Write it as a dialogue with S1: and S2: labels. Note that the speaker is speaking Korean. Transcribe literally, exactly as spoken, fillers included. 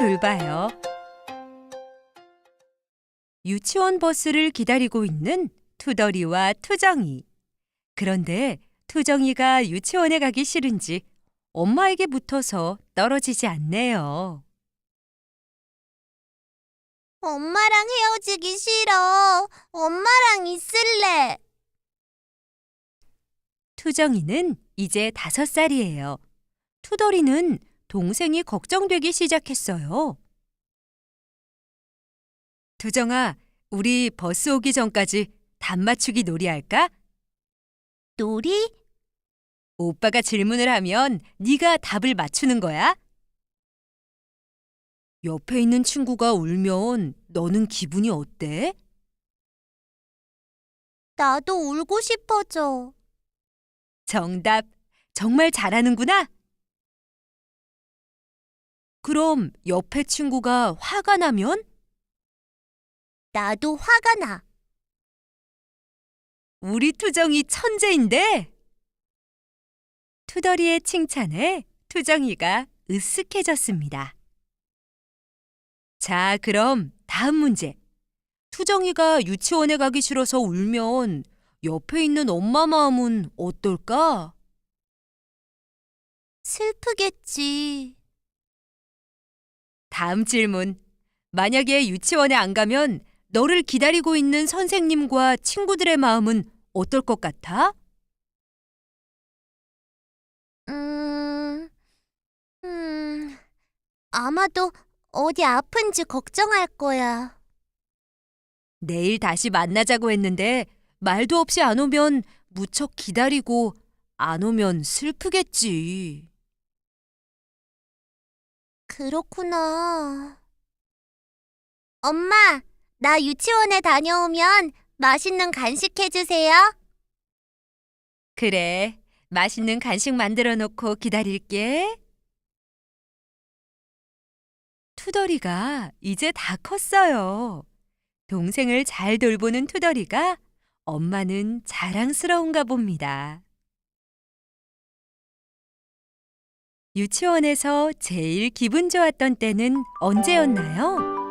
S1: 돌봐요. 유치원 버스를 기다리고 있는 투덜이와 투정이. 그런데 투정이가 유치원에 가기 싫은지 엄마에게 붙어서 떨어지지 않네요.
S2: 엄마랑 헤어지기 싫어. 엄마랑 있을래.
S1: 투정이는 이제 다섯 살이에요. 투덜이는 동생이 걱정되기 시작했어요. 투정아, 우리 버스 오기 전까지 답 맞추기 놀이 할까?
S2: 놀이?
S1: 오빠가 질문을 하면 네가 답을 맞추는 거야. 옆에 있는 친구가 울면 너는 기분이 어때?
S2: 나도 울고 싶어져.
S1: 정답. 정말 잘하는구나. 그럼 옆에 친구가 화가 나면?
S2: 나도 화가 나.
S1: 우리 투정이 천재인데? 투덜이의 칭찬에 투정이가 으쓱해졌습니다. 자, 그럼 다음 문제. 투정이가 유치원에 가기 싫어서 울면 옆에 있는 엄마 마음은 어떨까?
S2: 슬프겠지.
S1: 다음 질문. 만약에 유치원에 안 가면 너를 기다리고 있는 선생님과 친구들의 마음은 어떨 것 같아?
S2: 음, 음, 아마도 어디 아픈지 걱정할 거야.
S1: 내일 다시 만나자고 했는데 말도 없이 안 오면 무척 기다리고 안 오면 슬프겠지.
S2: 그렇구나. 엄마, 나 유치원에 다녀오면 맛있는 간식 해주세요.
S1: 그래, 맛있는 간식 만들어 놓고 기다릴게. 투덜이가 이제 다 컸어요. 동생을 잘 돌보는 투덜이가 엄마는 자랑스러운가 봅니다. 유치원에서 제일 기분 좋았던 때는 언제였나요?